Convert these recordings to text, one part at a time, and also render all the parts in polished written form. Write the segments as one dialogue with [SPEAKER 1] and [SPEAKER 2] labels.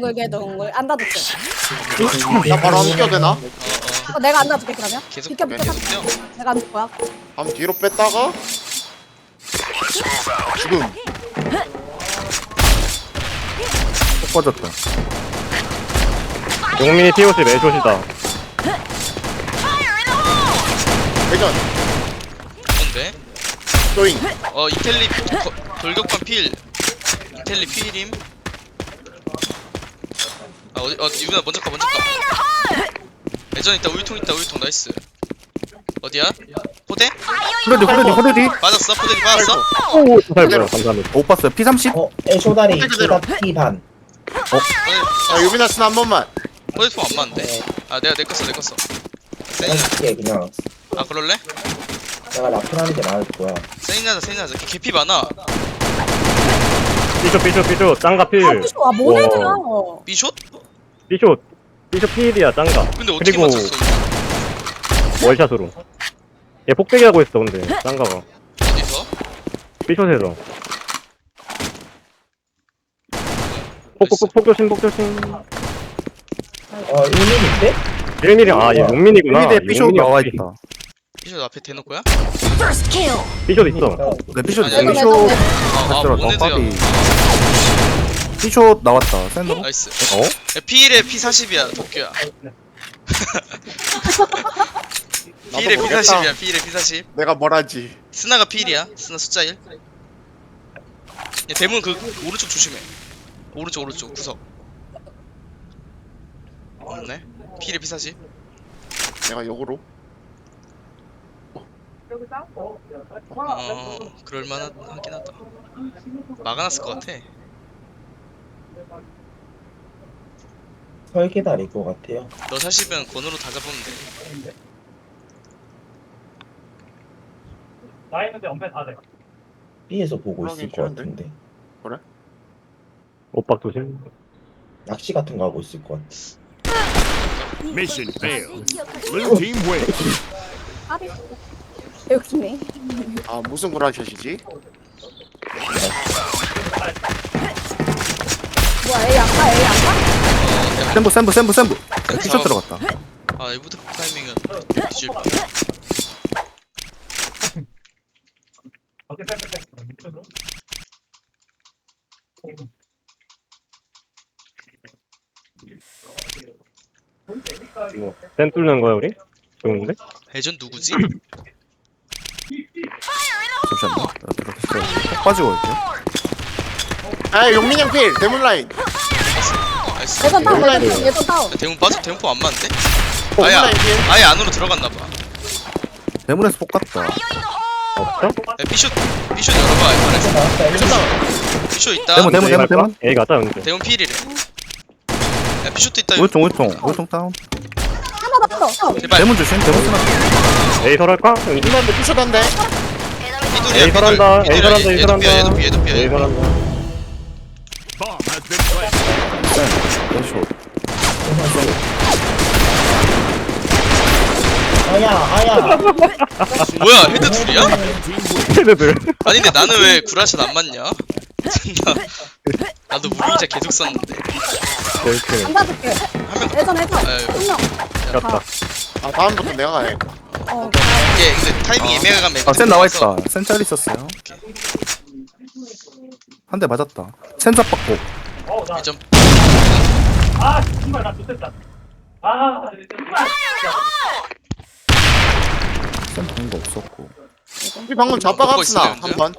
[SPEAKER 1] 둥글게 안 닫을게.
[SPEAKER 2] 나 바로 안 뛰어도 되나?
[SPEAKER 1] 내가 안 닫을게 그러면.
[SPEAKER 3] 계속
[SPEAKER 1] 비켜
[SPEAKER 3] 계속 뛰어.
[SPEAKER 1] 내가 안 닫을 거야.
[SPEAKER 2] 한번 뒤로 뺐다가 지금
[SPEAKER 4] 꼭 빠졌다. 용민이 POC 매조시다.
[SPEAKER 2] 회전
[SPEAKER 3] 뭔데?
[SPEAKER 2] 조잉
[SPEAKER 3] 이텔리 돌격반 필. 이텔리 필임. 유빈아 먼저 가. 예전 있다. 우유통 나이스. 어디야? 포대?
[SPEAKER 4] 호레디.
[SPEAKER 3] 맞았어. 포대니 맞았어.
[SPEAKER 4] 오, 잘 보여. 감사합니다. 못 봤어요. P30?
[SPEAKER 5] 애쇼다리
[SPEAKER 2] 그대로.
[SPEAKER 5] P 반.
[SPEAKER 2] 야 유비나스는 한 번만
[SPEAKER 3] 포대통 안 맞는데. 내가 내 껐어.
[SPEAKER 5] 그냥 줄게 그냥.
[SPEAKER 3] 그럴래?
[SPEAKER 5] 내가 라플하는 게 나을 거야.
[SPEAKER 3] 세인하자. 개피 많아.
[SPEAKER 4] 삐쇼. 짱가 필.
[SPEAKER 1] 모네드야.
[SPEAKER 3] B숏?
[SPEAKER 4] 삐쇼 필이야, 짱가.
[SPEAKER 3] 근데 어떻게
[SPEAKER 4] 그리고
[SPEAKER 3] 맞췄어?
[SPEAKER 4] 월샷으로. 얘 폭대기 하고 있어, 근데. 짱가가.
[SPEAKER 3] 어디서?
[SPEAKER 4] 삐쇼에서. 폭 조심.
[SPEAKER 5] 1mm인데?
[SPEAKER 4] 1mm, 얘 용민이구나.
[SPEAKER 6] 삐대 삐쇼
[SPEAKER 4] 용민이
[SPEAKER 6] 나와
[SPEAKER 4] 없지.
[SPEAKER 6] 있다.
[SPEAKER 3] B숏 앞에 대놓고야?
[SPEAKER 4] 삐쇼 있어.
[SPEAKER 6] 네 삐쇼
[SPEAKER 3] 아니, 아니,
[SPEAKER 6] 삐쇼
[SPEAKER 3] 아, 모네드야.
[SPEAKER 6] 삐쇼 나왔다. 센으로.
[SPEAKER 3] 나이스.
[SPEAKER 6] 어?
[SPEAKER 3] P1에 P40이야, 도쿄야. P1에
[SPEAKER 2] 모르겠다.
[SPEAKER 3] P40이야, P1에 P40.
[SPEAKER 2] 내가 뭘 하지
[SPEAKER 3] 스나가 P1이야, 스나 숫자 1. 야, 대문 오른쪽 조심해. 오른쪽, 구석. 없네. P1에 P40.
[SPEAKER 2] 내가 역으로
[SPEAKER 3] 그럴만하긴 하다. 막아놨을 것 같아.
[SPEAKER 5] 설계다리일 것 같아요.
[SPEAKER 3] 너 40은 권으로 다 잡으면 돼.
[SPEAKER 5] B에서 보고 있을 것
[SPEAKER 2] 괜찮은데?
[SPEAKER 5] 같은데.
[SPEAKER 4] 오빡 조심.
[SPEAKER 5] 낚시 같은 거 하고 있을 것 같아.
[SPEAKER 7] Mission failed. Blue team wins.
[SPEAKER 1] 아비. 여기네.
[SPEAKER 2] 아 무슨 구라샷이지?
[SPEAKER 1] 뭐야 A 아까?
[SPEAKER 6] 센부. 삐쇼 들어갔다.
[SPEAKER 3] 이부터 타이밍은 뒤질 뻔.
[SPEAKER 4] 이거 센 뚫는 거야, 우리? 좋은데?
[SPEAKER 3] 회전 누구지?
[SPEAKER 6] 잠시만요. 꼭 빠지고 올게요.
[SPEAKER 2] 아 용민이 형필 대문라인
[SPEAKER 3] 나이스.
[SPEAKER 1] 예전 다운
[SPEAKER 2] 온라인.
[SPEAKER 1] 예전 다운.
[SPEAKER 3] 대문 빠져. 대문포 안 맞는데?
[SPEAKER 2] 대문라인 필
[SPEAKER 3] 아예 안으로 들어갔나봐.
[SPEAKER 6] 대문에서 폭 갔다.
[SPEAKER 4] 없어?
[SPEAKER 3] B숏 열어봐. 잘했어.
[SPEAKER 5] 나왔다.
[SPEAKER 3] B숏 있다.
[SPEAKER 6] 대문.
[SPEAKER 4] A 가자, 근데.
[SPEAKER 3] 대문 필이래. 야 B숏도 있다.
[SPEAKER 6] 우유통 다운.
[SPEAKER 1] 하나 더.
[SPEAKER 3] 제발.
[SPEAKER 6] 대문 조심. 대문 쓰나.
[SPEAKER 4] A 설할까?
[SPEAKER 2] 삐쇼한데 삐쇼한데
[SPEAKER 4] A 설한다. A 설한다.
[SPEAKER 3] 얘도 삐.
[SPEAKER 4] A 설한다.
[SPEAKER 7] Bomb has been planted.
[SPEAKER 6] 삐쇼.
[SPEAKER 5] 아야.
[SPEAKER 3] 뭐야 헤드 둘이야?
[SPEAKER 4] 걔네들.
[SPEAKER 3] 아니 근데 나는 왜 구라샷 안 맞냐? 나도 무빙자 계속 썼는데.
[SPEAKER 4] 이렇게.
[SPEAKER 1] 안 닫을게. 예전
[SPEAKER 3] 아유.
[SPEAKER 1] 한 명.
[SPEAKER 4] 갔다.
[SPEAKER 2] 아 다음부터 내가 가야
[SPEAKER 3] 이게 근데 타이밍 애매하면
[SPEAKER 6] 센 나와 있다. 센 짤 있었어요. 한 대 맞았다. 센 잡박고.
[SPEAKER 3] 예전
[SPEAKER 6] 센 보는 거 없었고.
[SPEAKER 2] 우리 방금 잡아갔으나
[SPEAKER 3] 먹고 있어요,
[SPEAKER 2] 한번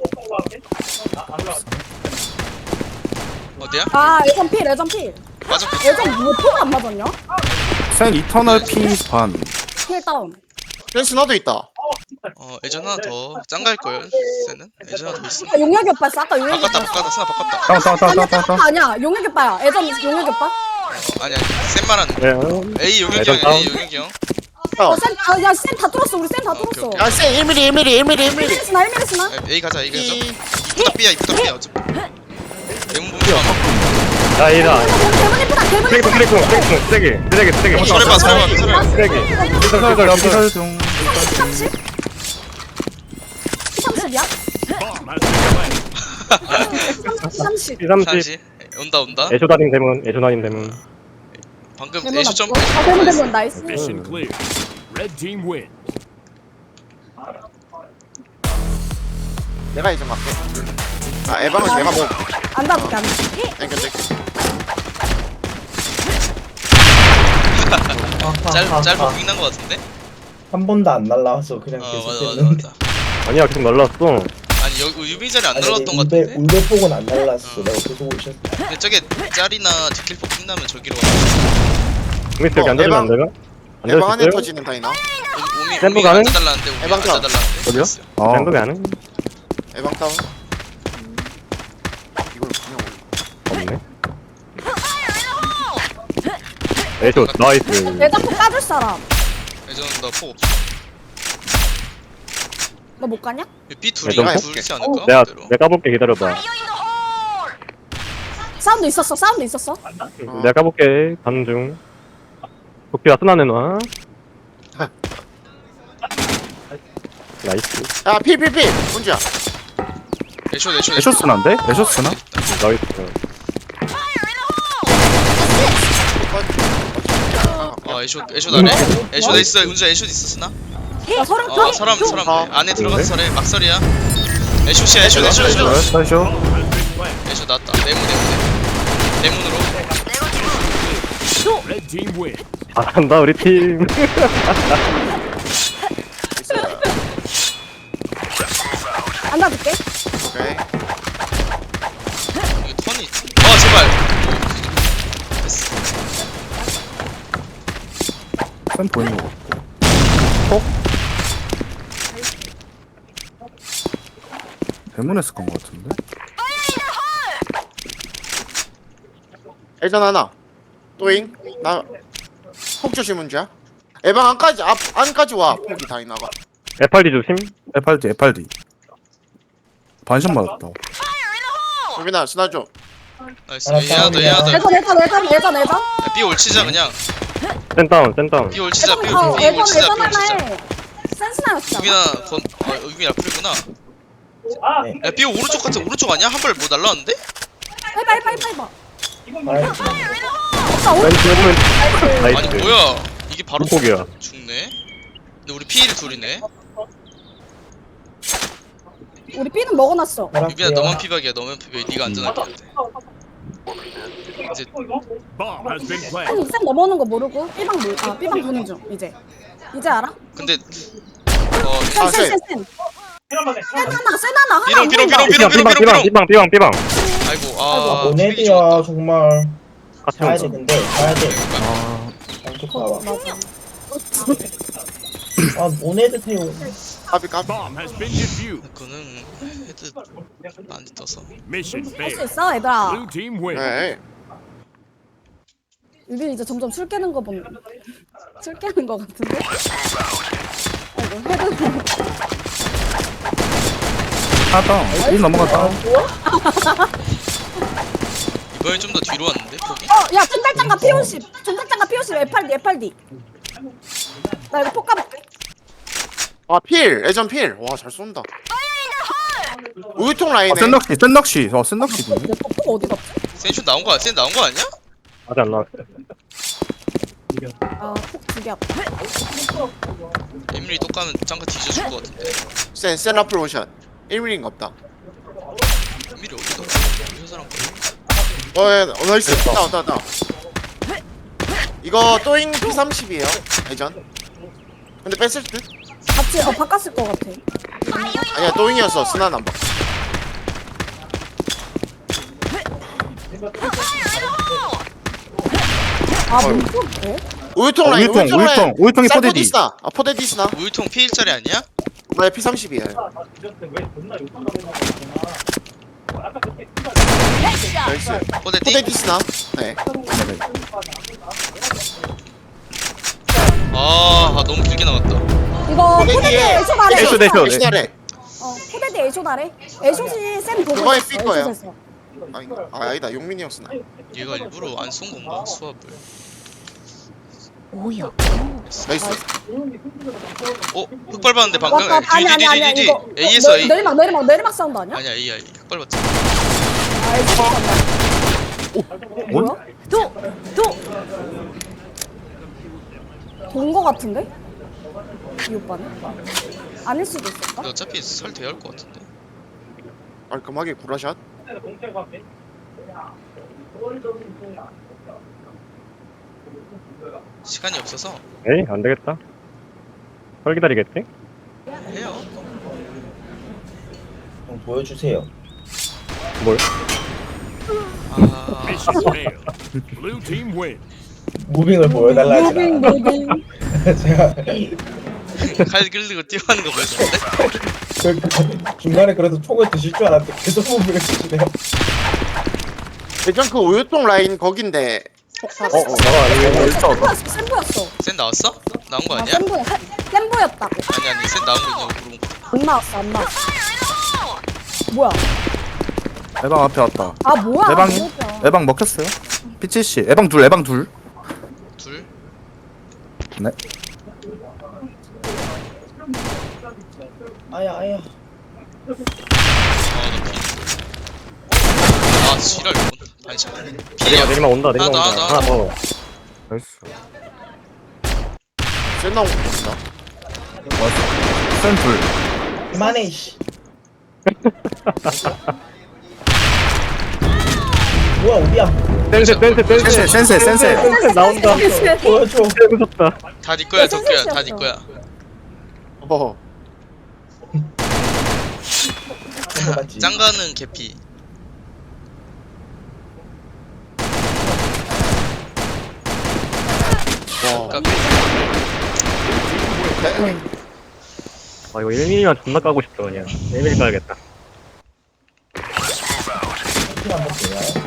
[SPEAKER 3] 어디야?
[SPEAKER 1] 예전 필.
[SPEAKER 3] 맞아.
[SPEAKER 1] 예전 뭐 포가 안 맞았냐?
[SPEAKER 6] 센 이터널 P 반.
[SPEAKER 1] 필 다운.
[SPEAKER 2] 센스 나도 있다
[SPEAKER 3] 예전 하나 더 짱갈 걸. 쟤는 예전 하나 더 있어.
[SPEAKER 1] 용혁이 오빠 있어. 아까 용혁이 오빠.
[SPEAKER 3] 바꿨다. 스나 바꿨다.
[SPEAKER 6] 다운.
[SPEAKER 1] 아니야. 용혁이 오빠야. 예전 용혁이 오빠.
[SPEAKER 3] 아니 센 말하는.
[SPEAKER 4] 네.
[SPEAKER 3] A 용혁이
[SPEAKER 4] 예전
[SPEAKER 3] 형.
[SPEAKER 4] 다운.
[SPEAKER 3] A 용혁이 형.
[SPEAKER 1] 센 다 뚫었어. 우리 센 다 뚫었어.
[SPEAKER 2] 야센 1mm
[SPEAKER 1] 1mm스나.
[SPEAKER 3] A 가자. 이쁘다 B야. 어차피. 대문 보면서
[SPEAKER 4] 야, A다.
[SPEAKER 1] 대문 이쁘다.
[SPEAKER 4] 쓰레기.
[SPEAKER 3] 설해봐.
[SPEAKER 4] 쓰레기.
[SPEAKER 6] 피설 중.
[SPEAKER 1] 30이야?
[SPEAKER 7] Bomb has been planted.
[SPEAKER 1] 30.
[SPEAKER 4] P30.
[SPEAKER 3] 30. 온다.
[SPEAKER 4] 애쇼 다닌 대문.
[SPEAKER 3] 방금
[SPEAKER 1] 대문
[SPEAKER 3] 애쇼
[SPEAKER 1] 없고.
[SPEAKER 3] 점프.
[SPEAKER 1] 대문 나이스.
[SPEAKER 7] Mission clear. Red team win.
[SPEAKER 2] 내가 이제 맞게. 아 에방은 내가 뭐
[SPEAKER 1] 안 닿을게 안 닿을게.
[SPEAKER 2] 땡겨.
[SPEAKER 3] 짧고 빅난 거 같은데?
[SPEAKER 5] 한 번도 안 날라와서 그냥
[SPEAKER 3] 어
[SPEAKER 5] 계속
[SPEAKER 3] 맞아.
[SPEAKER 5] 했는데.
[SPEAKER 4] 아니야 계속 날라왔어.
[SPEAKER 3] 아니 여기 유비 자리 안
[SPEAKER 5] 아니,
[SPEAKER 3] 날라왔던 거 같은데?
[SPEAKER 5] 울베 폭은 안 날랐어. 내가 계속 오셨어.
[SPEAKER 3] 근데 저게 짤이나 디킬폭 빅나면 저기로 가.
[SPEAKER 4] 국민 여기 앉아주면 안 되나?
[SPEAKER 2] 에방 안에
[SPEAKER 4] 앉아주세요.
[SPEAKER 2] 터지는 다이나.
[SPEAKER 4] 샘플
[SPEAKER 3] 오미
[SPEAKER 4] 가능?
[SPEAKER 3] 앉아달라는데 오미
[SPEAKER 2] 에방 타.
[SPEAKER 3] 앉아달라는데.
[SPEAKER 6] 어디요?
[SPEAKER 3] 됐어요.
[SPEAKER 6] 아
[SPEAKER 4] 랜덤이 안 해?
[SPEAKER 2] 에방 다운. 이걸 그냥 올려.
[SPEAKER 4] 없네. 애쇼 나이스.
[SPEAKER 1] 내 잡고 까줄 사람.
[SPEAKER 3] 예전 나폭 없어.
[SPEAKER 1] 너 못 가냐?
[SPEAKER 3] B 둘이
[SPEAKER 4] 예전 폭?
[SPEAKER 3] 둘이지 않을까?
[SPEAKER 4] 내가
[SPEAKER 3] 그대로.
[SPEAKER 4] 까볼게 기다려봐.
[SPEAKER 1] 사운드 있었어.
[SPEAKER 4] 내가 까볼게 가는 중. 도끼가 쓰나 내놔. 나이스.
[SPEAKER 2] 야 필. 문제야.
[SPEAKER 3] 애쇼
[SPEAKER 6] 애쇼스나인데? 애쇼스나?
[SPEAKER 4] 나이스.
[SPEAKER 3] 애쇼 나네. 애쇼 돼 있어. 운전 애쇼 있었으나?
[SPEAKER 1] 야 서른
[SPEAKER 3] 어 사람 안에 들어가서 설해 막설이야. 애쇼시야 애쇼.
[SPEAKER 6] 나이스 애쇼.
[SPEAKER 3] 애쇼 나왔다. 내문으로.
[SPEAKER 7] Red team win.
[SPEAKER 4] 잘한다 우리 팀.
[SPEAKER 1] 안 닿을게.
[SPEAKER 2] 오케이.
[SPEAKER 3] 이게 턴이. 아 제발. 됐어.
[SPEAKER 6] 쌤 보이는 거 같고. 대문에서 간 거 같은데?
[SPEAKER 2] 일단 하나. 또잉. 나 폭주시 문제야. 에방 안까지 와. 폭이 다이나가.
[SPEAKER 4] FRD 조심.
[SPEAKER 6] FRD 반샷 맞았다.
[SPEAKER 2] 유빈아 스나 좀.
[SPEAKER 3] 나이스. 얘하다.
[SPEAKER 1] 예전.
[SPEAKER 3] B 올치자 그냥.
[SPEAKER 4] 센다운.
[SPEAKER 3] B 올치자. B
[SPEAKER 1] 예전
[SPEAKER 3] 올치자.
[SPEAKER 1] 하나에 센스나였어.
[SPEAKER 3] 유빈아 유빈이 라플이구나.
[SPEAKER 5] 네.
[SPEAKER 3] 야 B 오른쪽 같은 오른쪽 아니야? 한 발 뭐 날라왔는데?
[SPEAKER 1] 해봐.
[SPEAKER 4] 왼.
[SPEAKER 3] 아니 뭐야? 이게 바로
[SPEAKER 4] 폭이야.
[SPEAKER 3] 죽네. 근데 우리 P1 둘이네.
[SPEAKER 1] 우리 B는 먹어놨어.
[SPEAKER 3] 유빈아 너만 피박이야. 너만 피박. 네가 안전하게 해야 돼. 이제
[SPEAKER 7] Bomb has been planted.
[SPEAKER 1] 쌤 넘어오는 거 모르고 B방 보는 중 이제 알아?
[SPEAKER 3] 근데
[SPEAKER 1] 센 하나
[SPEAKER 4] 삐방.
[SPEAKER 3] 아이고
[SPEAKER 5] 모네드야 정말.
[SPEAKER 4] 같이
[SPEAKER 5] 가야 돼
[SPEAKER 4] 온다.
[SPEAKER 5] 근데 가야 돼.
[SPEAKER 6] 아
[SPEAKER 5] 양쪽 가봐.
[SPEAKER 1] 맞아.
[SPEAKER 5] 아 모네드 태우.
[SPEAKER 2] 까비.
[SPEAKER 7] Bomb has been defused.
[SPEAKER 3] 그거는 헤드 안 떠서.
[SPEAKER 7] Mission
[SPEAKER 1] 할 수
[SPEAKER 7] failed.
[SPEAKER 1] 있어 얘들아.
[SPEAKER 7] Blue team win.
[SPEAKER 2] 네.
[SPEAKER 1] 유빈 이제 점점 술 깨는 거 보면 술 깨는 거 같은데? 아이고 헤드
[SPEAKER 6] 하다. 1 넘어갔다.
[SPEAKER 3] 이번엔 좀 더 뒤로 왔는데 폭이?
[SPEAKER 1] 야 전달장갑 P50 FRD 나 이거 폭 까볼게.
[SPEAKER 2] 아 필. 예전 필. 와 잘 쏜다. 우유통 라인에.
[SPEAKER 6] 센 낚시.
[SPEAKER 1] 폭 어디 갔지?
[SPEAKER 3] 센슛 나온 거 아니야?
[SPEAKER 4] 아직 안 나왔어.
[SPEAKER 1] 폭 두 개 앞에.
[SPEAKER 3] 에밀리 또 까면 짱가 뒤져줄 것 같은데.
[SPEAKER 2] 센 라플 오션. 1mm인가 없다.
[SPEAKER 3] 에밀리 어디더라? 이 사람
[SPEAKER 2] 나이스. 다운. 이거 또잉 P30이에요. 예전. 근데 뺐을 듯?
[SPEAKER 1] 같이 바꿨을 것 같아.
[SPEAKER 2] 아니야 또잉이었어. 스나 남바.
[SPEAKER 1] 뭔데?
[SPEAKER 2] 우유통 라인.
[SPEAKER 6] 우유통이 포대디.
[SPEAKER 2] 포데디스나. 포데디스나.
[SPEAKER 3] 우유통 P1짜리 아니야?
[SPEAKER 2] 나 P30이야. 나이스.
[SPEAKER 3] 포대티?
[SPEAKER 2] 포데디스나. 네.
[SPEAKER 3] 너무 길게 나갔다.
[SPEAKER 1] 이거 포대디 애쇼 아래.
[SPEAKER 6] 애쇼.
[SPEAKER 2] 애쇼 아래.
[SPEAKER 1] 포대디 애쇼 아래. 애쇼시 쌤 보고
[SPEAKER 2] 그거에
[SPEAKER 1] 있었어,
[SPEAKER 2] 삘 거예요.
[SPEAKER 1] 애쇼에서.
[SPEAKER 2] 아니다. 용민이 형 스나.
[SPEAKER 3] 얘가 일부러 안 쏜 건가? 수압을.
[SPEAKER 2] 나이스.
[SPEAKER 3] 흑 밟았는데 방금.
[SPEAKER 1] 왔다. 아니야
[SPEAKER 3] DDDD.
[SPEAKER 1] 이거
[SPEAKER 3] A에서 A.
[SPEAKER 1] 내리막 사운드 아니야?
[SPEAKER 3] 아니야 A. 흑 밟았지.
[SPEAKER 1] 애쇼 사운드. 뭐야? 본 거 같은데? 이 오빠는? 아닐 수도 있을까?
[SPEAKER 3] 근데 어차피 설 돼야 할 것 같은데.
[SPEAKER 2] 깔끔하게 구라샷.
[SPEAKER 3] 시간이 없어서
[SPEAKER 4] 에이 안 되겠다. 설 기다리겠지?
[SPEAKER 3] 해요.
[SPEAKER 5] 좀 보여주세요.
[SPEAKER 4] 뭘?
[SPEAKER 3] 아,
[SPEAKER 7] Mission failed. Blue team win.
[SPEAKER 5] 무빙을 보여달라 하지
[SPEAKER 1] 무빙
[SPEAKER 5] 않아.
[SPEAKER 1] 무빙.
[SPEAKER 5] 제가
[SPEAKER 3] 칼 끌리고 뛰어가는 거 보였는데.
[SPEAKER 5] 중간에 그래도 총을 드실 줄 알았는데 계속 무빙을 드시네요.
[SPEAKER 2] 예전 그 우유통 라인 거긴데 폭탄.
[SPEAKER 4] 나가 이게
[SPEAKER 1] 센 보였어.
[SPEAKER 3] 센 나왔어? 나온 거
[SPEAKER 1] 아,
[SPEAKER 3] 아니야?
[SPEAKER 1] 센 보였다고.
[SPEAKER 3] 아니 센 나온 거 있냐고 물어본 거.
[SPEAKER 1] 안 나왔어 안 나왔어. 뭐야?
[SPEAKER 6] 에방 앞에 왔다.
[SPEAKER 1] 아 뭐야?
[SPEAKER 6] 에방이?
[SPEAKER 1] 뭐야.
[SPEAKER 6] 에방 먹혔어요? P70 에방 둘 에방 둘.
[SPEAKER 3] 둘.
[SPEAKER 6] 네.
[SPEAKER 5] 아야 아야.
[SPEAKER 3] 아 지랄. 반샷.
[SPEAKER 4] 내리막 온다 내리막
[SPEAKER 3] 하나
[SPEAKER 4] 온다.
[SPEAKER 3] 더,
[SPEAKER 4] 하나 더. 나이스.
[SPEAKER 2] 센 나온 거 같다.
[SPEAKER 6] 센 둘.
[SPEAKER 5] 그만해 씨. 뭐야 어디야?
[SPEAKER 4] 센세
[SPEAKER 6] 센세 센세.
[SPEAKER 4] 나온다.
[SPEAKER 5] 보여줘.
[SPEAKER 4] 무섭다.
[SPEAKER 3] 다 네 거야 덕규야. 다 네 거야.
[SPEAKER 2] 어.
[SPEAKER 5] 그거 맞지?
[SPEAKER 3] 짱가는 개피.
[SPEAKER 2] 와.
[SPEAKER 3] 까비.
[SPEAKER 4] 아 이거 1mm만 존나 까고 싶다 그냥. 1mm 까야겠다.
[SPEAKER 5] 피 한번 줘요.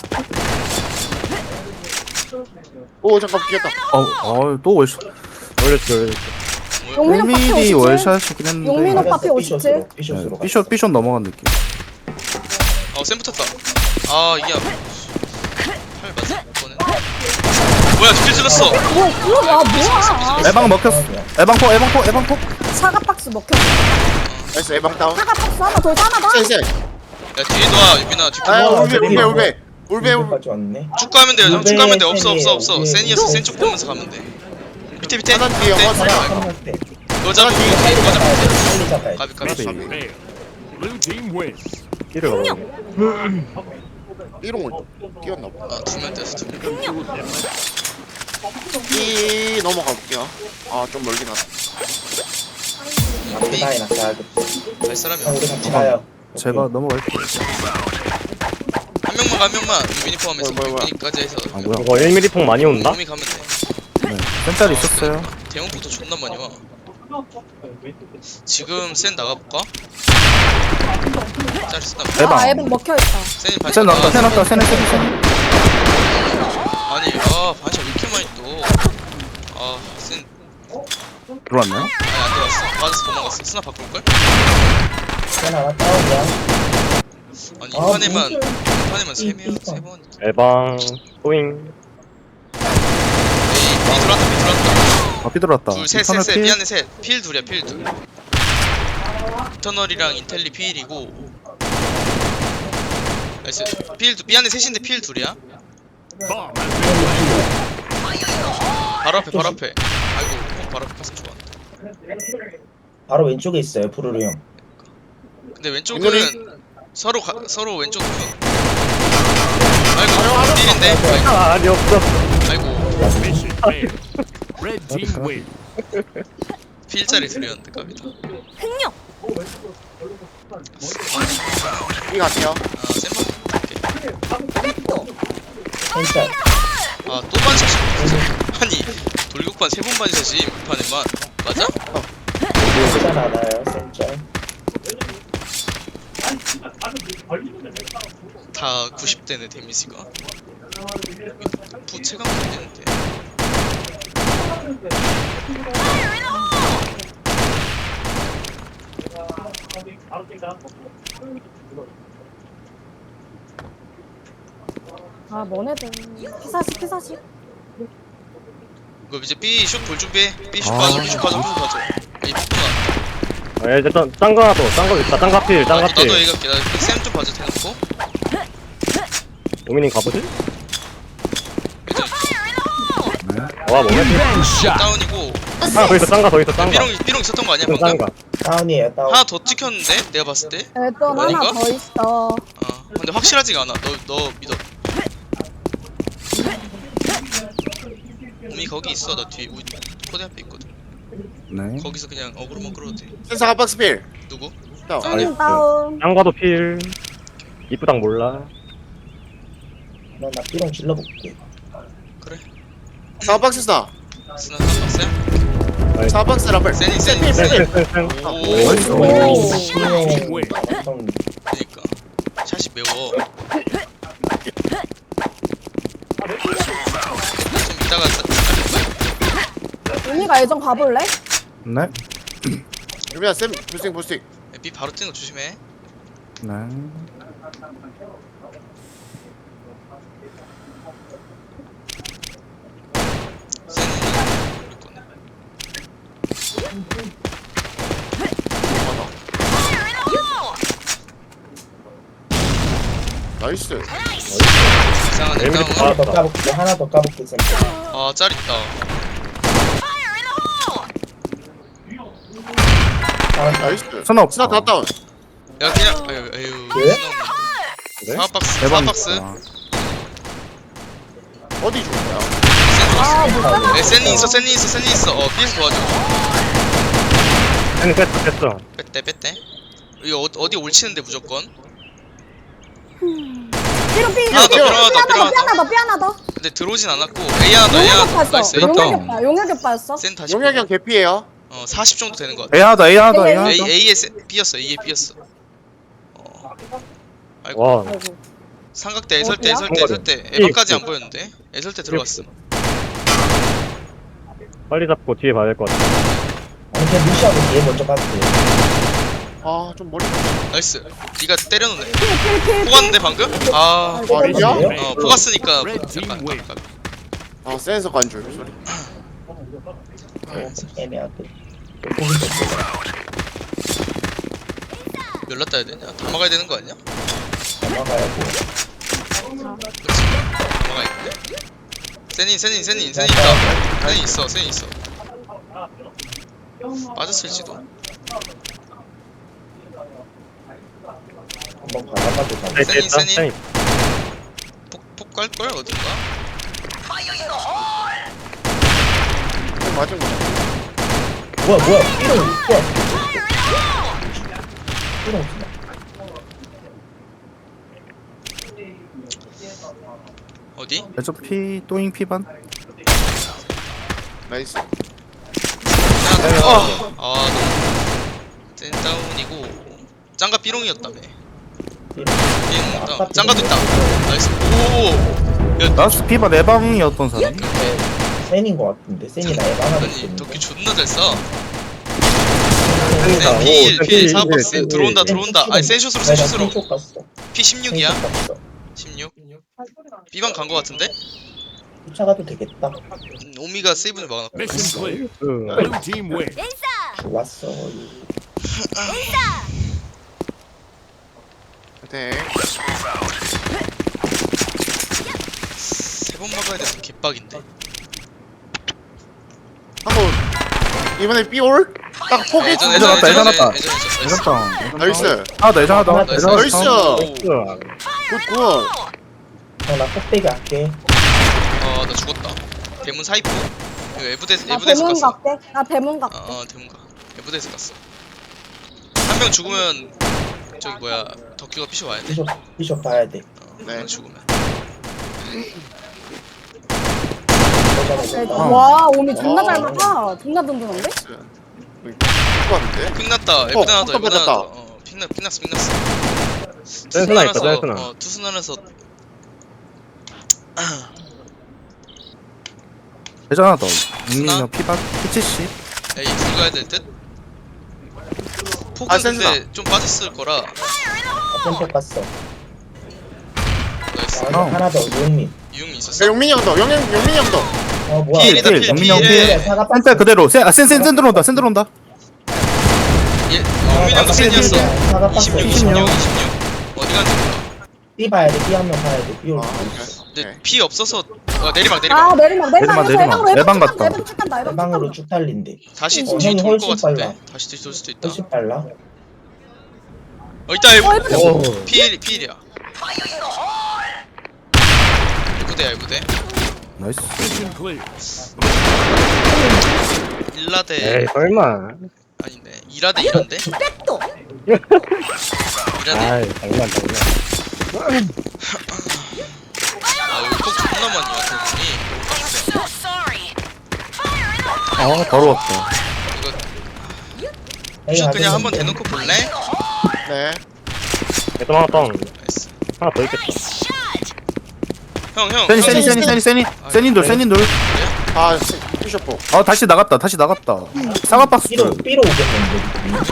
[SPEAKER 2] 오 잠깐 비겼다.
[SPEAKER 6] 또 월샷.
[SPEAKER 4] 올렸지.
[SPEAKER 1] 용민 오빠 피
[SPEAKER 6] 1mm
[SPEAKER 1] 57.
[SPEAKER 6] 월샷이긴 했는데.
[SPEAKER 1] 용민 오빠 피 57.
[SPEAKER 5] 삐숏으로.
[SPEAKER 6] 삐숏 삐숏 넘어간 느낌.
[SPEAKER 3] 센 붙었다. 아 이게 팔 맞아? 이거는. 뭐야 두개 질렀어.
[SPEAKER 1] 뭐야 뭐야?
[SPEAKER 6] 에방 먹혔어. 에방포.
[SPEAKER 1] 사과 박스 먹혔어.
[SPEAKER 2] 나이스 에방 다운.
[SPEAKER 1] 사과 박스 하나 더 하나 더.
[SPEAKER 2] 센.
[SPEAKER 3] 야 뒤에 놔 유빈아 뒤에
[SPEAKER 2] 아
[SPEAKER 5] 어,
[SPEAKER 2] 울베.
[SPEAKER 5] 울베까지 왔네.
[SPEAKER 3] 쭉 가면 돼요. 쭉 가면 돼. 없어.
[SPEAKER 5] 울베.
[SPEAKER 3] 센이어서 센 쪽 보면서 가면 돼. 밑에.
[SPEAKER 2] 하나 뒤에
[SPEAKER 3] 밑에.
[SPEAKER 2] 영화
[SPEAKER 5] 하나 하나 때.
[SPEAKER 3] 여자
[SPEAKER 2] 하나
[SPEAKER 3] 보고
[SPEAKER 2] 뒤에
[SPEAKER 3] 뒤에 여자 보고.
[SPEAKER 5] 빨리 잡아야지.
[SPEAKER 3] 가비.
[SPEAKER 7] Failed. Blue team win.
[SPEAKER 4] 끼를 가봐.
[SPEAKER 2] 삐롱을 뛰었나 보다.
[SPEAKER 3] 아두명 떼서 두 명.
[SPEAKER 2] 이 넘어가 볼게요. 아 좀 멀긴 하다.
[SPEAKER 5] 앞에 다이 낙사.
[SPEAKER 3] 갈 사람이
[SPEAKER 5] 우리
[SPEAKER 3] 없어.
[SPEAKER 5] 같이 가요.
[SPEAKER 6] 제가 넘어갈게요.
[SPEAKER 3] 한 명만 유빈이 포함해서
[SPEAKER 2] 뭐야.
[SPEAKER 3] 유빈이까지 해서
[SPEAKER 6] 아 뭐야?
[SPEAKER 4] 이거 1mm 통 많이 온다?
[SPEAKER 3] 몸이 가면 돼.
[SPEAKER 6] 네. 센짤 있었어요.
[SPEAKER 3] 대형부터 존나 많이 와. 지금 센 나가볼까? 짤 쓰나?
[SPEAKER 6] 에방.
[SPEAKER 1] 아 에방 먹혀 있다.
[SPEAKER 3] 센이 반샷
[SPEAKER 6] 센 나왔다. 센
[SPEAKER 3] 나가서
[SPEAKER 6] 나왔다. 센.
[SPEAKER 3] 아니 반샷 왜 이렇게 많이 센
[SPEAKER 6] 들어왔나요?
[SPEAKER 3] 아니 안 들어왔어. 맞아서 도망갔어. 스나 바꿀걸?
[SPEAKER 5] 센 하나 다운이야.
[SPEAKER 3] 아니
[SPEAKER 5] 아,
[SPEAKER 3] 이판에만
[SPEAKER 5] 무슨-
[SPEAKER 3] 3번
[SPEAKER 4] 에방 소잉.
[SPEAKER 3] B 들어왔다.
[SPEAKER 6] 아 삐들어왔다.
[SPEAKER 3] 둘셋 미안해 셋필 둘이야 필 둘. 인터널이랑 인텔리 필이고 나이스 미안해 셋인데 필 둘이야.
[SPEAKER 7] Bomb has been
[SPEAKER 3] 바로 앞에 아이고 바로 앞에 가서 좋아.
[SPEAKER 5] 바로 왼쪽에 있어요 푸르르 형.
[SPEAKER 3] 근데 왼쪽은 서로 왼쪽 아이고 필인데
[SPEAKER 4] 아니 없어.
[SPEAKER 3] 아이고
[SPEAKER 7] mission failed. Red team win.
[SPEAKER 3] 필자리 둘이었는데 갑니다.
[SPEAKER 2] 이 갈게요.
[SPEAKER 3] 아 센만
[SPEAKER 5] 센짤.
[SPEAKER 3] 아또 반샷이 아니 돌격반 3번 반샷이 판에만 맞아?
[SPEAKER 5] 센짤 하나요 센짤.
[SPEAKER 3] 다 90대네 데미지가 부채감 되는데
[SPEAKER 1] 아 너네들 피사시.
[SPEAKER 3] 이거 이제 B 슛 볼 준비해. B 슛 봐줘. B 슛 봐줘. 이 폭구나.
[SPEAKER 4] 아 이제 짱거 하나 더. 짱거 있다. 짱거 필. 짱거
[SPEAKER 3] 나도
[SPEAKER 4] 필.
[SPEAKER 3] 얘기할게. 나쌤좀 봐줘 대놓고.
[SPEAKER 4] 오미님 가보지?
[SPEAKER 3] 일단
[SPEAKER 4] 와 뭐야?
[SPEAKER 3] 다운이고
[SPEAKER 4] 하나 더 있어 짱가 더 있어 짱가.
[SPEAKER 3] 삐롱 있었던 거 아니야
[SPEAKER 4] 좀
[SPEAKER 3] 방금?
[SPEAKER 4] 짱가.
[SPEAKER 5] 다운이에요 다운.
[SPEAKER 3] 하나 더 찍혔는데 내가 봤을 때.
[SPEAKER 1] 좀 하나
[SPEAKER 3] 아닌가?
[SPEAKER 1] 더 있어.
[SPEAKER 3] 근데 확실하지가 않아. 너 믿어. 오미 거기 있어. 나 뒤에 우리 코드 앞에 있거든.
[SPEAKER 6] 네.
[SPEAKER 3] 거기서 그냥 어그로만 끌어도 돼.
[SPEAKER 2] 센서 핫박스 필.
[SPEAKER 3] 누구?
[SPEAKER 2] 다운.
[SPEAKER 1] 다운.
[SPEAKER 4] 짱가도 필. 이쁘당 몰라.
[SPEAKER 5] 나 삐롱 질러볼게.
[SPEAKER 3] 그래.
[SPEAKER 2] 핫박스 스나.
[SPEAKER 3] 스나 하나 봤어요?
[SPEAKER 2] 핫박스 라벨.
[SPEAKER 3] 세니.
[SPEAKER 4] 쌩쌩쌩쌩.
[SPEAKER 3] 오.
[SPEAKER 5] 오.
[SPEAKER 7] Team win.
[SPEAKER 5] 완전
[SPEAKER 3] 그니까 샷이 매워. 좀 이따가
[SPEAKER 1] 언니가 예전 가볼래?
[SPEAKER 6] 네.
[SPEAKER 2] 유미야 쌤 부스팅.
[SPEAKER 3] B 바로 뛰는 거 조심해.
[SPEAKER 6] 네.
[SPEAKER 3] 세니는 우리 거네.
[SPEAKER 2] 나이스.
[SPEAKER 3] 이상한 애
[SPEAKER 4] 에미리
[SPEAKER 3] 다운.
[SPEAKER 5] 하나 더 까볼게. 하나 더 까볼게 쌤.
[SPEAKER 3] 짤 있다.
[SPEAKER 2] 나이스.
[SPEAKER 6] 스나 없어.
[SPEAKER 2] 스나 다 다운.
[SPEAKER 3] 야 그냥 아유
[SPEAKER 5] 왜?
[SPEAKER 4] 그래?
[SPEAKER 3] 사박스
[SPEAKER 6] 대박.
[SPEAKER 2] 어디 좋냐?
[SPEAKER 1] 아못 살아.
[SPEAKER 3] 세니 있어 B에서 도와줘.
[SPEAKER 4] 쌩 뺐어.
[SPEAKER 3] 뺐대. 이거 어디 올치는데 무조건.
[SPEAKER 1] 삐롱 삐.
[SPEAKER 3] 하나 더,
[SPEAKER 1] 삐 하나 더.
[SPEAKER 3] 근데 들어오진 않았고 A 하나
[SPEAKER 1] 용역이
[SPEAKER 3] 나이스.
[SPEAKER 1] 빠졌어. 용역이 빠졌어.
[SPEAKER 3] 센 다시
[SPEAKER 2] 용약이 형 개피에요.
[SPEAKER 3] 40 정도 되는 것 같아.
[SPEAKER 6] A 하나 더, A 하나 더, A
[SPEAKER 1] A,
[SPEAKER 6] 하나
[SPEAKER 3] A
[SPEAKER 6] 더.
[SPEAKER 3] A에 B였어. 아이고
[SPEAKER 4] 와.
[SPEAKER 1] 아이고.
[SPEAKER 3] 삼각대 애설대
[SPEAKER 4] 어디야?
[SPEAKER 3] 에바까지 안 보였는데 애설대 들어갔음.
[SPEAKER 4] 빨리 잡고 뒤에 봐야 될 것 같아.
[SPEAKER 5] 아니 그냥 무시하고 얘 먼저 까도 돼.
[SPEAKER 2] 좀 머리.
[SPEAKER 3] 나이스. 네가 때려놓네.
[SPEAKER 1] 킬킬킬.
[SPEAKER 3] 포갔는데 방금? 아
[SPEAKER 2] 아니야?
[SPEAKER 3] 포갔으니까
[SPEAKER 7] Red team
[SPEAKER 3] 약간
[SPEAKER 7] win.
[SPEAKER 2] 센서 관줄. 소리.
[SPEAKER 5] 애매하게.
[SPEAKER 3] 연락 따야 되냐? 다 막아야 되는 거 아니야?
[SPEAKER 5] 넘어가야 돼.
[SPEAKER 3] 그렇지. 다 막아야겠네. 세니 있다. 세니 있어. 빠졌을지도.
[SPEAKER 5] 한번 가다가도 가.
[SPEAKER 4] 네, 됐다.
[SPEAKER 3] 세니.
[SPEAKER 4] 쌩.
[SPEAKER 3] 폭 갈걸 어딘가?
[SPEAKER 2] 맞은 거.
[SPEAKER 5] 뭐야 삐롱 있어. 삐롱 있어.
[SPEAKER 3] 어디?
[SPEAKER 6] 레저 P, 또잉 P반?
[SPEAKER 2] 나이스.
[SPEAKER 3] 센 다운이고 짱가 삐롱이었다며.
[SPEAKER 5] 삐롱.
[SPEAKER 3] 삐롱 다운. 짱가도 있다. 나이스. 오. 야,
[SPEAKER 6] 나스 P반 내방이었던 사람?
[SPEAKER 5] 센인 것 같은데 센이나 에바나
[SPEAKER 3] 아니 덕기 존나 잘 쏴.
[SPEAKER 4] 쌩이다.
[SPEAKER 3] 필 사박스 들어온다. 아니 센슛으로
[SPEAKER 5] 내가
[SPEAKER 3] 센슛으로.
[SPEAKER 5] 센쪽 갔어.
[SPEAKER 3] P16이야?
[SPEAKER 5] 센쪽 갔어.
[SPEAKER 3] 16? B방 간 거 같은데?
[SPEAKER 5] 쫓아가도 되겠다.
[SPEAKER 3] 오미가 세이브는 막아놨고.
[SPEAKER 7] Mission clear.
[SPEAKER 4] 그,
[SPEAKER 7] Blue team win.
[SPEAKER 5] 좋았어.
[SPEAKER 2] 네.
[SPEAKER 3] 3번 막아야 돼서 개빡인데.
[SPEAKER 2] 한번 이번에 삐올? 딱 포기.
[SPEAKER 3] 예전
[SPEAKER 6] 예전 왔다, 예전 왔다.
[SPEAKER 3] 예전 있었어.
[SPEAKER 6] 예전당.
[SPEAKER 2] 나이스.
[SPEAKER 6] 하나 더, 예전 하나 더.
[SPEAKER 5] 나이스.
[SPEAKER 6] 예전 하나
[SPEAKER 2] 나이스.
[SPEAKER 6] 더.
[SPEAKER 2] 굿.
[SPEAKER 5] 나 꼭대기 할게.
[SPEAKER 3] 나 죽었다. 대문 사이프? 이거 에브데스
[SPEAKER 1] 나
[SPEAKER 3] 갔어.
[SPEAKER 1] 대문 갈게. 나 대문 갈게.
[SPEAKER 3] 대문 가. 에브데스 갔어. 한 명 죽으면 저기 뭐야 덕규가 피셔 와야 돼.
[SPEAKER 5] 비숍 봐야 돼.
[SPEAKER 2] 네.
[SPEAKER 3] 한 죽으면.
[SPEAKER 1] 와 오미 존나 잘 막아. 존나 든든한데?
[SPEAKER 2] 똑같은데?
[SPEAKER 3] 픽났다. 에브데 하나 더.
[SPEAKER 2] 어,
[SPEAKER 3] 에브데 하나
[SPEAKER 2] 떴다.
[SPEAKER 3] 더. 픽났어.
[SPEAKER 4] 센스나 있다, 센스나.
[SPEAKER 3] 투순하면서
[SPEAKER 6] 예전 하나 더.
[SPEAKER 3] 스나?
[SPEAKER 6] 형 P반? P70?
[SPEAKER 3] 에이 들어가야 될 듯. 폭은
[SPEAKER 2] 아,
[SPEAKER 3] 근데
[SPEAKER 2] 센스나.
[SPEAKER 3] 좀 빠졌을 거라.
[SPEAKER 5] 센쪽 갔어.
[SPEAKER 3] 나이스.
[SPEAKER 5] 하나 더 유흥민.
[SPEAKER 3] 유흥이 있었어.
[SPEAKER 2] 용민이 형 더. 용민이 형 더.
[SPEAKER 5] 뭐야?
[SPEAKER 3] 필이다,
[SPEAKER 6] 필,
[SPEAKER 3] 필,
[SPEAKER 6] 영민이 형
[SPEAKER 3] 필에.
[SPEAKER 5] 사과
[SPEAKER 6] 센터 그대로. 센 들어온다, 센 들어온다.
[SPEAKER 3] 유민이 형도 센이었어.
[SPEAKER 5] 사과 박스.
[SPEAKER 3] 26. 어디 간지 몰라.
[SPEAKER 5] B 봐야 돼. B 한 명 봐야 돼. B 올
[SPEAKER 2] 아,
[SPEAKER 5] 수
[SPEAKER 2] 오케이.
[SPEAKER 5] 있어.
[SPEAKER 3] 근데 피 없어서 내리막
[SPEAKER 1] 아
[SPEAKER 3] 내리막
[SPEAKER 1] 내리막
[SPEAKER 6] 내리막, 내리막. 에방 갔다.
[SPEAKER 1] 에방 쭉 간다. 에방 쭉
[SPEAKER 5] 방으로
[SPEAKER 1] 간다.
[SPEAKER 5] 쭉 달린대.
[SPEAKER 3] 다시
[SPEAKER 1] 어,
[SPEAKER 3] 뒤
[SPEAKER 5] 형이
[SPEAKER 3] 돌 것
[SPEAKER 5] 훨씬
[SPEAKER 3] 같은데
[SPEAKER 5] 빨라.
[SPEAKER 3] 다시 뒤 돌 수도 있다
[SPEAKER 5] 훨씬 빨라.
[SPEAKER 3] 있다
[SPEAKER 1] 에방.
[SPEAKER 4] 오.
[SPEAKER 3] 피일이야 일구대야
[SPEAKER 6] 나이스.
[SPEAKER 7] Mission clear.
[SPEAKER 3] 일라대
[SPEAKER 4] 에이 설마.
[SPEAKER 3] 아닌데 이라대 이란데
[SPEAKER 1] 백도.
[SPEAKER 3] 이라대
[SPEAKER 4] 아이 장난.
[SPEAKER 3] 아 여기 폭 존나 많이 왔더니
[SPEAKER 6] 아 바로 왔다.
[SPEAKER 3] 이거 슛 그냥 한번 대놓고 볼래?
[SPEAKER 2] 네.
[SPEAKER 4] 애들 하나 다운.
[SPEAKER 3] 나이스
[SPEAKER 4] 하나 더 있겠다.
[SPEAKER 3] 형형
[SPEAKER 6] 세니 돌.
[SPEAKER 2] 아, 피셔포.
[SPEAKER 6] 아 다시 나갔다. 사과 박스
[SPEAKER 5] B로
[SPEAKER 6] 돌.
[SPEAKER 5] B로 오겠는데.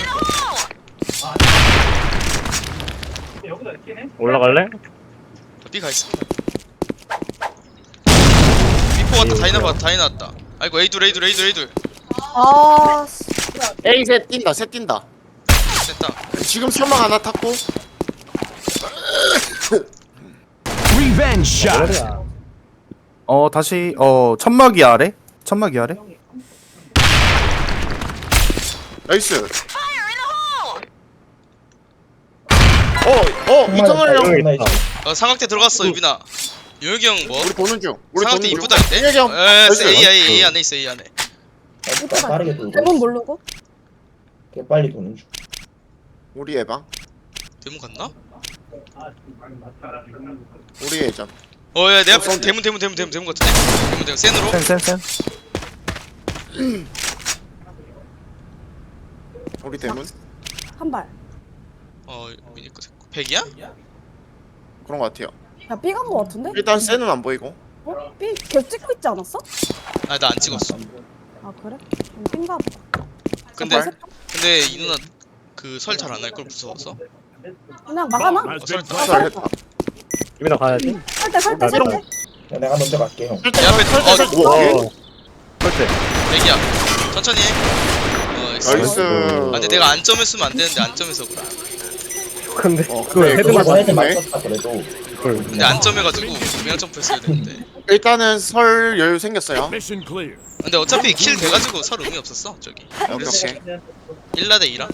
[SPEAKER 4] 올라갈래?
[SPEAKER 3] B가 있어 B포 왔다 다이 나왔다 아이고 A둘
[SPEAKER 1] 아 씨.
[SPEAKER 2] A 셋 뛴다, 셋 뛴다.
[SPEAKER 3] 됐다
[SPEAKER 2] 지금 설마 하나 탔고.
[SPEAKER 7] Revenge shot.
[SPEAKER 6] 다시 천막이 아래.
[SPEAKER 2] 나이스. 이터널 형.
[SPEAKER 6] 아,
[SPEAKER 5] 있다.
[SPEAKER 3] 삼각대 들어갔어 유빈아 용혁이 형 뭐?
[SPEAKER 2] 우리 보는 중. 우리
[SPEAKER 3] 삼각대
[SPEAKER 2] 보는 중.
[SPEAKER 3] 이쁘다는데?
[SPEAKER 2] 용혁이 형. 나이스.
[SPEAKER 3] A 안에 있어 A 안에
[SPEAKER 5] 빠르게 돌고.
[SPEAKER 1] 대문 모르고.
[SPEAKER 5] 개 빨리 도는 중.
[SPEAKER 2] 우리 예방.
[SPEAKER 3] 대문 갔나?
[SPEAKER 2] 우리 예전.
[SPEAKER 3] 야 내 앞에
[SPEAKER 2] 사운드.
[SPEAKER 3] 대문 같은데? 대문 센으로?
[SPEAKER 6] 센.
[SPEAKER 2] 우리 대문.
[SPEAKER 1] 한 발.
[SPEAKER 3] 미니 거 됐고 100이야?
[SPEAKER 2] 그런 거 같아요.
[SPEAKER 1] 야 B 간 거 같은데?
[SPEAKER 2] 일단 쟤는 안 보이고.
[SPEAKER 1] B 계속 찍고 있지 않았어?
[SPEAKER 3] 아 나 안 찍었어
[SPEAKER 1] 아 그래? 띵가 보다.
[SPEAKER 3] 근데 이 누나 그 설 잘 안 할 걸 무서워서
[SPEAKER 1] 그냥 막아놔.
[SPEAKER 7] Has been
[SPEAKER 3] 설-
[SPEAKER 2] 잘했다.
[SPEAKER 4] 유민아 가야지.
[SPEAKER 1] 설때.
[SPEAKER 5] 내가 먼저 갈게 형.
[SPEAKER 3] 내 앞에
[SPEAKER 2] 설때.
[SPEAKER 4] 와. 설때.
[SPEAKER 3] 100이야 천천히 해
[SPEAKER 2] 나이스.
[SPEAKER 3] 아 근데 내가 안점을 쓰면 안 되는데 안점에서 그래
[SPEAKER 4] 근데
[SPEAKER 2] 그래,
[SPEAKER 4] 그걸 헤드만
[SPEAKER 2] 그거
[SPEAKER 5] 헤드
[SPEAKER 2] 맞네.
[SPEAKER 5] 맞췄다 그래도.
[SPEAKER 4] 그걸.
[SPEAKER 3] 근데 안점해가지고 분명 점프했어야 되는데
[SPEAKER 2] 일단은 설 여유 생겼어요.
[SPEAKER 7] mission clear.
[SPEAKER 3] 근데 어차피 킬 돼가지고 설 의미 없었어 저기 그래서
[SPEAKER 2] 오케이.
[SPEAKER 3] 1라대 2라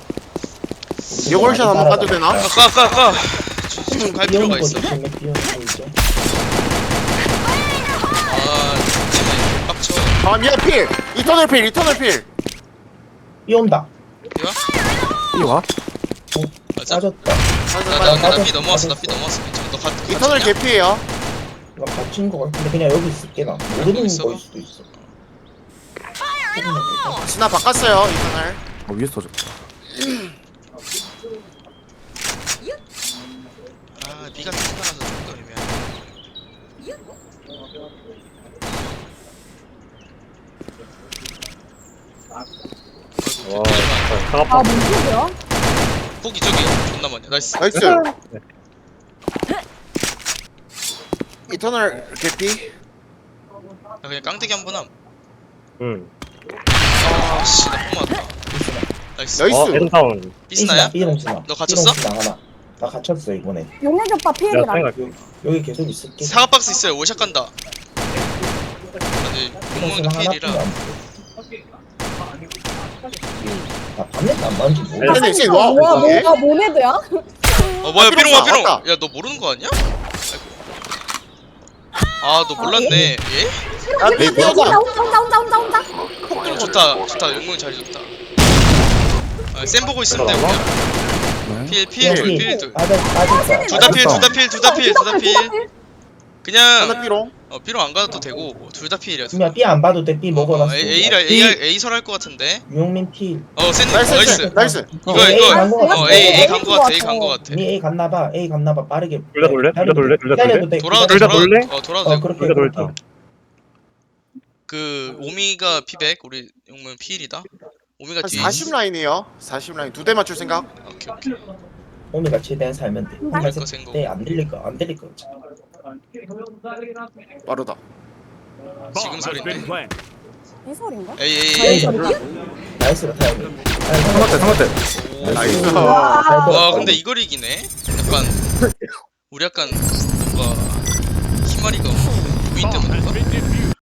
[SPEAKER 2] 이걸샷 한번 까도 되나?
[SPEAKER 3] 까 좀갈 필요가 있어 아 진짜 빡쳐
[SPEAKER 2] 아 미안 필. 이터널 필.
[SPEAKER 5] 비 온다.
[SPEAKER 3] 이거?
[SPEAKER 6] 이와.
[SPEAKER 3] 맞아?
[SPEAKER 5] 빠졌다.
[SPEAKER 3] 나 피 넘어왔어 괜찮아 너
[SPEAKER 2] 이터널
[SPEAKER 3] 갇혔냐?
[SPEAKER 2] 개피예요.
[SPEAKER 5] 이거 갇힌 거 같은데 그냥 여기 있을게 나. 모르는
[SPEAKER 3] 있어?
[SPEAKER 5] 거일 수도 있어.
[SPEAKER 2] 스나 바꿨어요 이터널.
[SPEAKER 6] 위에서 터졌다.
[SPEAKER 3] 아 B가 튀어나가서 조금 애매하네
[SPEAKER 4] 와.
[SPEAKER 3] 아이고
[SPEAKER 4] 사과
[SPEAKER 1] 아 뭔 소리야?
[SPEAKER 3] 폭이 저기 존나 많냐 나이스
[SPEAKER 2] 나이스. 이터널 개피.
[SPEAKER 3] 나 그냥 깡대기 한번 함
[SPEAKER 4] 응.
[SPEAKER 3] 아씨 나폭 맞았다 나이스
[SPEAKER 2] 나이스.
[SPEAKER 4] 에든타운.
[SPEAKER 3] B스나야?
[SPEAKER 5] B롱스나.
[SPEAKER 3] 너 갇혔어?
[SPEAKER 5] 나 갇혔어 이번에.
[SPEAKER 1] 용혁이 오빠
[SPEAKER 4] 내가
[SPEAKER 1] 피해리라.
[SPEAKER 4] 생각할게.
[SPEAKER 5] 여기 계속 있을게.
[SPEAKER 3] 사과 박스 있어요 오샷 간다 근데 공무원도 필이라
[SPEAKER 5] 나 밤에 안 맞는지
[SPEAKER 2] 네,
[SPEAKER 5] 모르겠어.
[SPEAKER 2] 네, 와, 이게?
[SPEAKER 1] 뭐가 모네드야?
[SPEAKER 3] 뭐야 삐롱 와 삐롱
[SPEAKER 2] 왔다.
[SPEAKER 3] 야 너 모르는 거 아니야? 아 너 몰랐네 예?
[SPEAKER 2] 아, 내 뼈가.
[SPEAKER 1] 혼자.
[SPEAKER 3] 좋다 용문 잘 줬다 쌤 보고 있으면 돼 그냥 필둘
[SPEAKER 5] 빠졌다.
[SPEAKER 3] 둘다 필 그냥
[SPEAKER 2] 하나 삐롱.
[SPEAKER 3] 삐롱 안 가도 되고 둘 다 필이야
[SPEAKER 5] 그냥 B 안 봐도 돼. B 먹어놨어.
[SPEAKER 3] A 설할 것 같은데
[SPEAKER 5] 유용민 필.
[SPEAKER 3] 쌤
[SPEAKER 2] 나이스.
[SPEAKER 3] 나이스
[SPEAKER 5] 어,
[SPEAKER 3] 이거
[SPEAKER 5] A 간거 같아.
[SPEAKER 3] A 간 거 같아
[SPEAKER 5] 니 A 갔나봐. A 갔나봐. 빠르게.
[SPEAKER 4] 둘 다 돌래?
[SPEAKER 5] 기다려도 돼.
[SPEAKER 3] 돌아도
[SPEAKER 4] 둘 다 돌래?
[SPEAKER 3] 돌아도 돼
[SPEAKER 5] 그렇게.
[SPEAKER 4] 둘 다 돌자.
[SPEAKER 5] 그렇게.
[SPEAKER 3] 그 오미가 피백 우리 용문 필이다 오미가
[SPEAKER 2] 한
[SPEAKER 3] 뒤에
[SPEAKER 2] 40 라인이에요. 40 라인 두 대 맞출 생각.
[SPEAKER 3] 오케이
[SPEAKER 5] 오미가 최대한 살면 돼.
[SPEAKER 3] 거 생각.
[SPEAKER 5] 안 들릴 거.
[SPEAKER 2] 빠르다.
[SPEAKER 3] 지금
[SPEAKER 7] Bomb has been
[SPEAKER 3] 설인데
[SPEAKER 7] planted.
[SPEAKER 1] 이 소리인가?
[SPEAKER 3] 에이
[SPEAKER 5] 나이스로 타야 돼.
[SPEAKER 6] 상관대.
[SPEAKER 2] 나이스.
[SPEAKER 3] 와 근데 이걸 이기네 약간 우리 약간 뭔가 희마리가 없는데 부인 때문에 그런가?